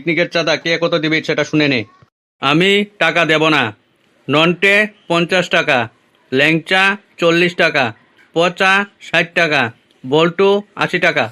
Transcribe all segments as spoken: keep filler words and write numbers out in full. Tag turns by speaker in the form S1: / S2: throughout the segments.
S1: পিকনিকের চাঁদা কে কত দিবি সেটা শুনে নে। আমি টাকা দেব না। নন্টে পঞ্চাশ টাকা, ল্যাংচা চল্লিশ টাকা, পচা ষাট টাকা, বল্টু আশি টাকা।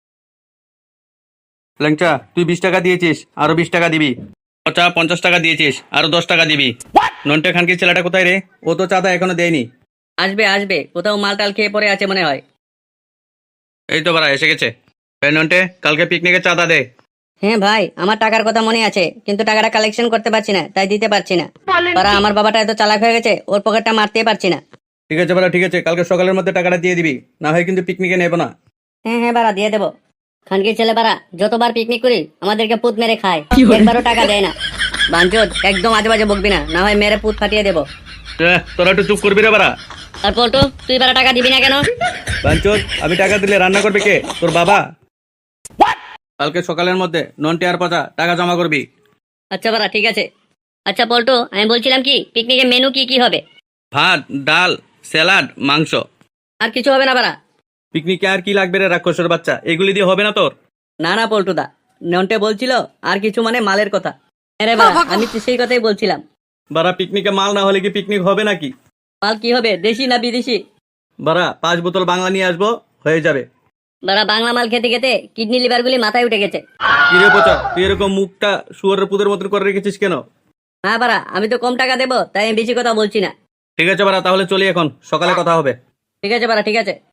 S1: ল্যাংচা তুই বিশ টাকা দিয়েছিস, আরো বিশ টাকা দিবি। পচা পঞ্চাশ টাকা দিয়েছিস, আরো দশ টাকা দিবি। নন্টে খানকির ছেলেটা কোথায় রে? ও তো চাঁদা এখনো দেয়নি।
S2: আসবে আসবে, কোথাও মালটাল খেয়ে পড়ে আছে মনে হয়।
S1: এই তো বাড়া এসে গেছে। এই নন্টে, কালকে পিকনিকের চাঁদা দে।
S2: হ্যাঁ ভাই, আমার টাকার কথা মনে আছে, কিন্তু টাকাটা কালেকশন করতে পারছি না, তাই দিতে পারছি না। তারা আমার বাবাটা এত চালাক হয়ে গেছে, ওর পকেটটা মারতেই পারছি না।
S1: ঠিক আছে বাড়া, ঠিক আছে, কালকে সকালের মধ্যে টাকাটা দিয়ে দিবি, না হয় কিন্তু পিকনিকে নেবো না।
S2: হ্যাঁ হ্যাঁ বাড়া, দিয়ে দেবো। খানকির ছেলে বাড়া যতবার পিকনিক করি আমাদেরকে পুত মেরে খায়, একবারও টাকা দেয় না। বাঞ্চোদ, একদম আজে বাজে বকবি না, না হয় মেরে পুত ফাটিয়ে দেবো।
S1: এহ, তোরা একটু চুপ করবি রে বাড়া।
S2: আর পল্টু, তুই বাড়া টাকা দিবি না কেন?
S1: বাঞ্চোদ, আমি টাকা দিলে রান্না করবে কে? তোর বাবা। কালকে সকালের মধ্যে নন্টে আর পচা টাকা জমা করবি।
S2: আচ্ছা বাড়া, ঠিক আছে। আচ্ছা পল্টু, আমি বলছিলাম কি, পিকনিকের মেনু কি কি হবে?
S1: ভাত, ডাল, স্যালাড, মাংস।
S2: আর কিছু হবে না বাড়া?
S1: পিকনিকে আর কি লাগবে রে রাক্ষসের বাচ্চা? এগুলি দিয়ে হবে না তোর?
S2: না না পল্টুদা, নন্টে বলছিল আর কিছু মানে মালের কথা। আরে বাড়া, আমি তো সেই কথাই বলছিলাম।
S1: বাড়া, পিকনিকে মাল না হলে কি পিকনিক হবে নাকি?
S2: মাল কি হবে, দেশি না বিদেশি?
S1: বাড়া, পাঁচ বোতল বাংলা নিয়ে আসবো, হয়ে যাবে।
S2: বাড়া, বাংলা মাল খেতে খেতে কিডনি লিভার গুলি মাথায় উঠে গেছে।
S1: কিরে পচা, তুই এরকম মুখটা শুয়ারের পুদের মতন করে রেখেছিস কেন?
S2: হ্যাঁ বাড়া, আমি তো কম টাকা দেবো, তাই আমি বেশি কথা বলছি না।
S1: ঠিক আছে বাড়া, তাহলে চলি এখন, সকালে কথা হবে।
S2: ঠিক আছে বাড়া, ঠিক আছে।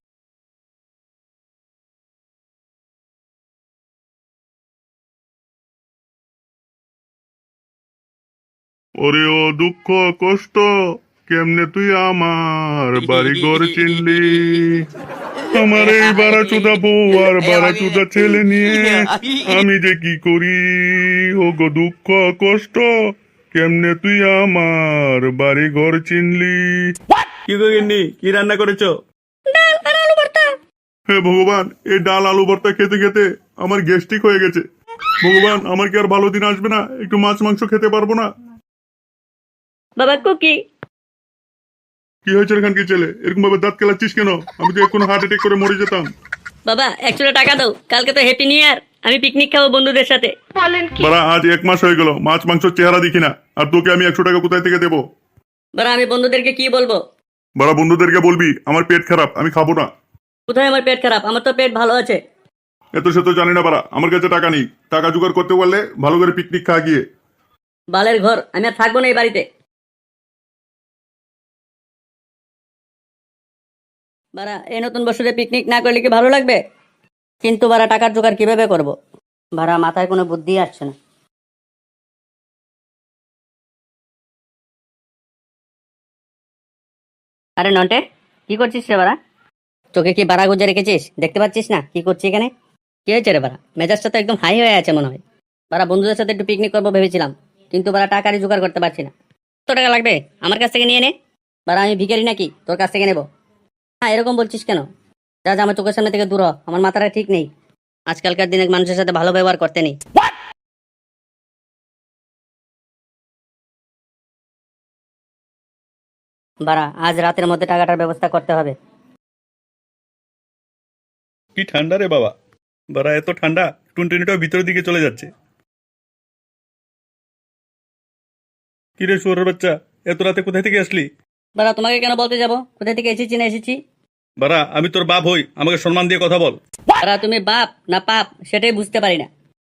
S3: ওরে ও দুঃখ কষ্ট, কেমনে তুই আমার বাড়ি ঘর চিনলি? আমার এই বারাচুদা বউ আর বারাচুদা ছেলে নিয়ে আমি যে কি করি? ও গো দুঃখ কষ্ট, কেমনে তুই আমার বাড়ি ঘর চিনলি?
S1: কি গিন্নি, কি রান্না করেছো?
S3: হে ভগবান, এই ডাল আলু ভর্তা খেতে খেতে আমার গ্যাস্ট্রিক হয়ে গেছে। ভগবান, আমার কি আর ভালো দিন আসবে না? একটু মাছ মাংস খেতে পারবো না?
S2: বাবা কুকি।
S3: কি হয়েছে এখান কি ছেলে, এরকম ভাবে দাঁত কেলাচ্ছিস কেন? আমি তো এখন হার্ট অ্যাটাক করে মরে যেতাম।
S2: বাবা, একশো টাকা দাও, কালকে তো হ্যাপি নিউ ইয়ার, আমি পিকনিক খাবো বন্ধুদের সাথে।
S3: বাড়া, আজ এক মাস হয়ে গেল মাছ মাংস চেহারা দেখি না, আর তোকে আমি একশো টাকা কোথায় থেকে দেবো?
S2: বাড়া, আমি বন্ধুদেরকে কি বলবো?
S3: বাড়া, বন্ধুদেরকে বলবি আমার পেট খারাপ, আমি খাবো না।
S2: কোথায় আমার পেট খারাপ? আমার তো পেট ভালো আছে।
S3: এত সে তো জানি না বাড়া, আমার কাছে টাকা নেই। টাকা জোগাড় করতে পারলে ভালো করে পিকনিক খা গিয়ে।
S2: বালের ঘর, আমি আর থাকবো না এই বাড়িতে। বাড়া, এই নতুন বছরে পিকনিক না করলে কি ভালো লাগবে? কিন্তু বাড়া, টাকার জোগাড় কিভাবে করব? বাড়া, মাথায় কোনো বুদ্ধি আসছে না। আরে নন্টে, কি করছিস রে বাড়া? চোখে কি বাড়া গুজে রেখেছিস? দেখতে পাচ্ছিস না কি করছি এখানে? কি হয়েছে রে বাড়া? মেজাজটা তো একদম হাই হয়ে আছে মনে হয়। বাড়া, বন্ধুদের সাথে একটু পিকনিক করবো ভেবেছিলাম, কিন্তু বাড়া টাকারই জোগাড় করতে পারছি না। কত টাকা লাগবে? আমার কাছ থেকে নিয়ে নে। বাড়া, আমি ভিখারি নাকি তোর কাছ থেকে নেবো? হ্যাঁ, এরকম বলছিস কেন? যা যা, আমার চোখের সামনে থেকে দূর হ, আমার মাথাটা ঠিক নেই। আজকালকার দিনে মানুষের সাথে ভালো ব্যবহার করতে নেই। বাড়া, আজ রাতের মধ্যে টাকাটার ব্যবস্থা করতে হবে।
S3: কি ঠান্ডা রে বাবা, বাড়া এত ঠান্ডা, টুনটুনিটাও ভিতরের দিকে চলে যাচ্ছে। কি রে শুয়োরের বাচ্চা, এত রাতে কোথায় থেকে আসলি?
S2: বাড়া, তোমাকে কেন বলতে যাব কোথা থেকে এসেছি না এসেছি?
S3: বাড়া, আমি তোর বাপ হই, আমাকে সম্মান দিয়ে কথা বল।
S2: বাড়া, তুমি বাপ না পাপ সেটাই বুঝতে পারি না।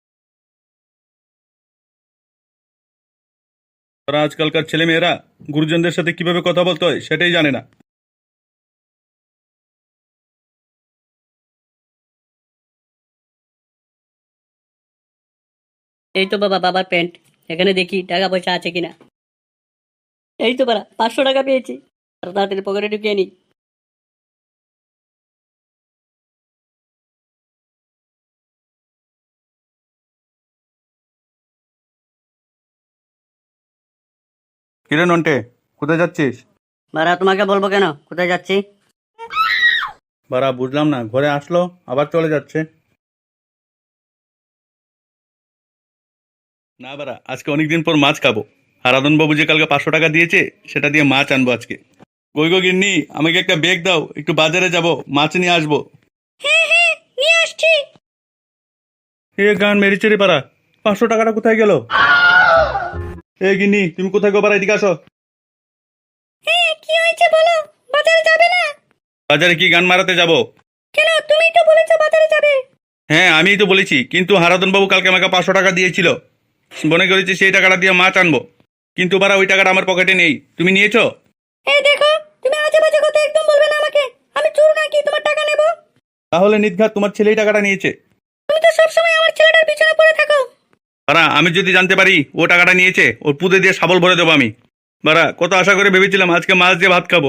S3: তারা আজকালকার ছেলে মেয়েরা গুরুজনদের সাথে কিভাবে কথা বলতে হয় সেটাই জানে না।
S2: এই তো বাবা, বাবার প্যান্ট, এখানে দেখি টাকা পয়সা আছে কিনা। এই তো বাড়া, পাঁচশো টাকা পেয়েছি। আর তাড়াতাড়ি পকেটে ঢুকিয়ে নি।
S1: কিরে নন্টে, কোথায় যাচ্ছিস?
S2: বাড়া, তোমাকে বলবো কেন কোথায় যাচ্ছি?
S1: বাড়া, বুঝলাম না, ঘরে আসলো আবার চলে যাচ্ছে।
S3: না বাড়া, আজকে অনেকদিন পর মাছ খাবো। হারাধন বাবু যে কালকে পাঁচশো টাকা দিয়েছে, সেটা দিয়ে মাছ আনবো আজকে। কই গো গিন্নি, আমাকে একটা ব্যাগ দাও, একটু বাজারে যাব, মাছ নিয়ে আসবো।
S2: নিয়ে আসছি।
S3: এ গান মেরেছে রে পাড়া,
S1: পাঁচশো টাকাটা কোথায় গেল? এ গিন্নি, তুমি কোথায় গো? বাড়া, এদিকে আসো।
S2: কি হয়েছে বলো? বাজারে যাবে না?
S1: বাজারে কি গান মারাতে যাব?
S2: কেন, তুমি তো বলেছো বাজারে যাবে।
S1: হ্যাঁ, আমিই তো বলেছি, কিন্তু হারাধন বাবু কালকে আমাকে পাঁচশো টাকা দিয়েছিল। মনে করেছি সেই টাকাটা দিয়ে মাছ আনবো, কিন্তু বারা ওই টাকাটা আমার পকেটে নেই। তুমি নিয়েছো?
S2: এই দেখো, তুমি আজে বাজে কথা একদম বলবে না আমাকে। আমি চোর নাকি তোমার টাকা নেব?
S1: তাহলে নির্ঘাত তোমার ছেলেই টাকাটা নিয়েছে।
S2: তুমি তো সবসময় আমার ছেলেটার পিছনে পড়ে থাকো।
S1: বারা, আমি যদি জানতে পারি ও টাকাটা নিয়েছে, ওর পুঁতে দিয়ে শাবল ভরে দেবো আমি। বারা, কত আশা করে ভেবেছিলাম আজকে মাছ দিয়ে ভাত খাবো।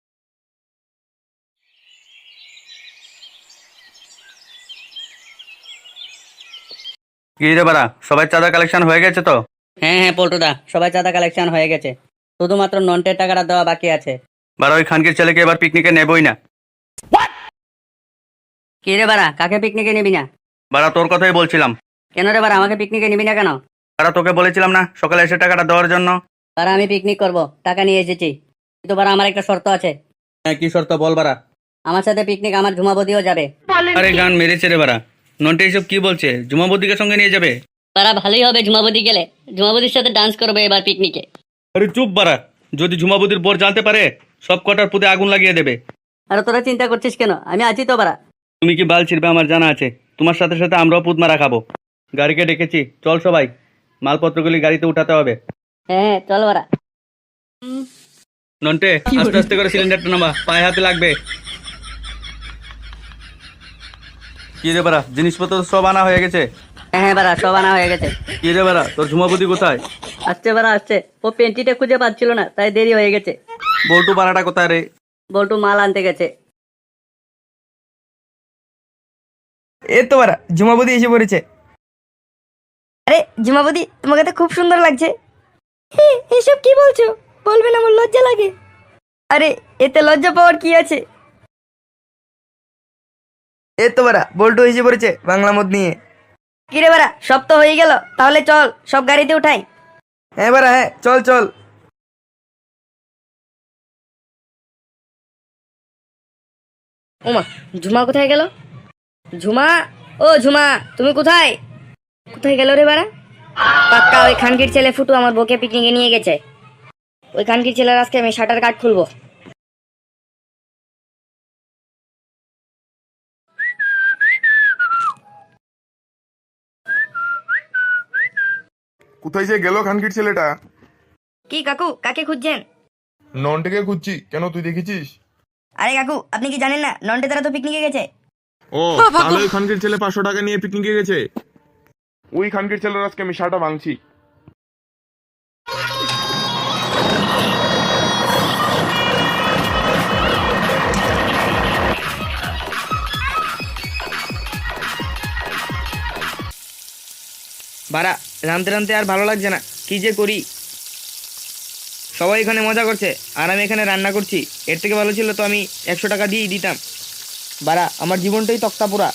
S1: কি রে বারা, সবাই চাঁদা কালেকশন হয়ে গেছে তো?
S2: হ্যাঁ হ্যাঁ পল্টুদা, সবাই চাঁদা কালেকশন হয়ে গেছে, শুধুমাত্র নন্টের টাকাটা দেওয়া বাকি আছে।
S1: বারা, ওই খানকির ছেলেকে এবার পিকনিকে নেবই না।
S2: কি রে বাড়া, কাকে পিকনিকে নিবি না?
S1: বারা, তোর কথাই বলছিলাম।
S2: কেন রে বাড়া, আমাকে পিকনিকে নিবি না কেন?
S1: বারা, তোকে বলেছিলাম না সকালে এসে টাকাটা দেওয়ার জন্য?
S2: বাড়া, আমি পিকনিক করব, টাকা নিয়ে এসেছি, কিন্তু বাড়া আমার একটা শর্ত আছে।
S1: হ্যাঁ, কি শর্ত বল বারা?
S2: আমার সাথে পিকনিক আমার ঝুমাবদিও যাবে।
S1: আরে গান মেরেছে রে বারা, নন্টে এইসব কি বলছে? জুমাবদিকে সঙ্গে নিয়ে যাবে?
S2: বাড়া, ভালোই হবে ঝুমাবদি গেলে, ঝুমাবদির সাথে ডান্স করবে এবার পিকনিকে।
S1: আরে চুপ বারা, যদি ঝুমাবদির বর জানতে পারে সব কটার পুঁতে আগুন লাগিয়ে দেবে।
S2: আর তোরা চিন্তা করছিস কেন, আমি আছি তো বাড়া।
S1: তুমি কি বাল ছিড়বে আমার জানা আছে, তোমার সাথে সাথে আমরাও পুত মারা খাবো। গাড়িকে ডেকেছি, চল সবাই, মালপত্রগুলি গাড়িতে উঠাতে হবে।
S2: হ্যাঁ হ্যাঁ চল বাড়া।
S1: নন্টে, আস্তে আস্তে করে সিলিন্ডারটা নামা, পায়ে হাতে লাগবে। কি রে বারা, জিনিসপত্র সব আনা হয়ে গেছে?
S2: হ্যাঁ হ্যাঁ বাড়া, সব আনা হয়ে গেছে।
S1: কি রে বারা, তোর ঝুমাবদি কোথায়?
S2: আসছে বাড়া আসছে, ও পেন্টিটা খুঁজে পাচ্ছিল না, তাই দেরি হয়ে গেছে।
S1: বল্টু পাড়াটা কোথায় রে?
S2: বল্টু মাল আনতে গেছে।
S4: এ তো বারা, ঝুমাবদি এসে পড়েছে। আরে ঝুমাবদি, তোমাকে তো খুব সুন্দর লাগছে। এসব কি বলছো? বলবেন, আমার লজ্জা লাগে। আরে এতে লজ্জা পাওয়ার কি আছে? এ তো বারা, বল্টু এসে পড়েছে বাংলা মদ নিয়ে। কি রে বারা, সব তো হয়ে গেল, তাহলে চল সব গাড়িতে উঠাই। হ্যাঁ বারা, হ্যাঁ চল চল। ওমা, ঝুমা কোথায় গেল? ঝুমা, ও ঝুমা, তুমি কোথায়? কোথায় গেল রে বাড়া? পাক্কা ওই খানকির ছেলে ফুটু আমার বউকে পিকনিকে নিয়ে গেছে। ওই খানকির ছেলের আজকে আমি শাটার কার্ড খুলবো।
S3: কোথায় যে গেল খানকির ছেলেটা?
S4: কি কাকু, কাকে খুঁজছেন?
S3: ননটাকে খুঁজছি। কেন, তুই দেখেছিস?
S4: আরে কাকু, আপনি কি জানেন না নন্টে তারা তো পিকনিকে গেছে?
S3: ও, তাহলে ওই খানকির ছেলে পাঁচশো টাকা নিয়ে পিকনিকে গেছে। ওই খানকির ছেলের আজকে আমি শাটা ভাঙছি।
S4: বাড়া, রামতে রামতে আর ভালো লাগছে না, কি যে করি। সবাই এখানে মজা করছে আর আমি এখানে রান্না করছি। এর থেকে ভালো ছিল তো আমি একশো টাকা দিয়েই দিতাম। বাড়া, আমার জীবনটাই তক্তা পোড়া।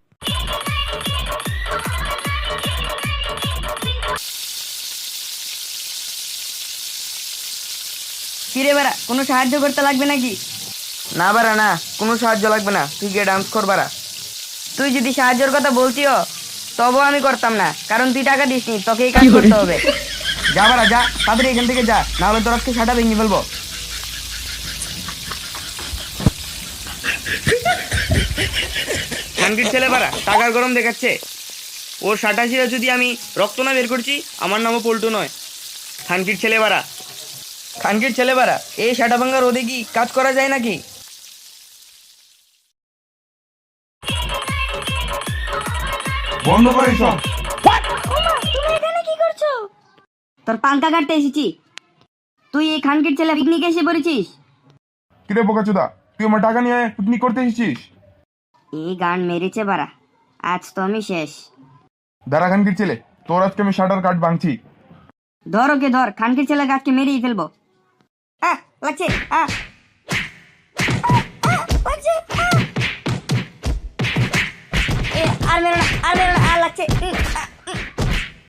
S4: কিরে বাড়া, কোনো সাহায্য করতে লাগবে নাকি? না বাড়া না, কোনো সাহায্য লাগবে না, তুই গিয়ে ডান্স কর বাড়া। তুই যদি সাহায্যের কথা বলতিও তবুও আমি করতাম না, কারণ তুই টাকা দিসনি, তোকে এই কাজ করতে হবে। যা বাড়া যা, তাড়াতাড়ি এখান থেকে যা, না হলে তোর আজকে সাটা ভেঙে ফেলবো। খানকির ছেলে বাড়া টাকার গরম দেখাচ্ছে। ওর সাটা ছিল যদি আমি রক্ত না বের করছি, আমার নামও পল্টু নয়। খানকির ছেলে বাড়া, খানকির ছেলে বাড়া, এই সাটা ভাঙ্গা রোদে কি কাজ করা যায় নাকি?
S3: বন্ধ করে সব।
S4: তুমি এখানে কি করছো? তোর পাঙ্কা কাটতে এসেছি। তুই এই খানকির ছেলে পিকনিকে এসে পড়েছিস?
S3: কিরে বোকাচোদা, তুই আমার টাকা নিয়ে পিকনিক করতে এসেছিস?
S4: এই গান মেরেছে বাড়া, আজ তো আমি শেষ।
S3: দাঁড়া খানকির ছেলে, তোর আজকে আমি শাটার কার্ড ভাঙছি।
S4: ধর ওকে ধর, খানকির ছেলে গাছকে মেরেই ফেলবো। আহ লাগছে, আহ লাগছে, আর মেরো না, আর মেরো না, আর লাগছে।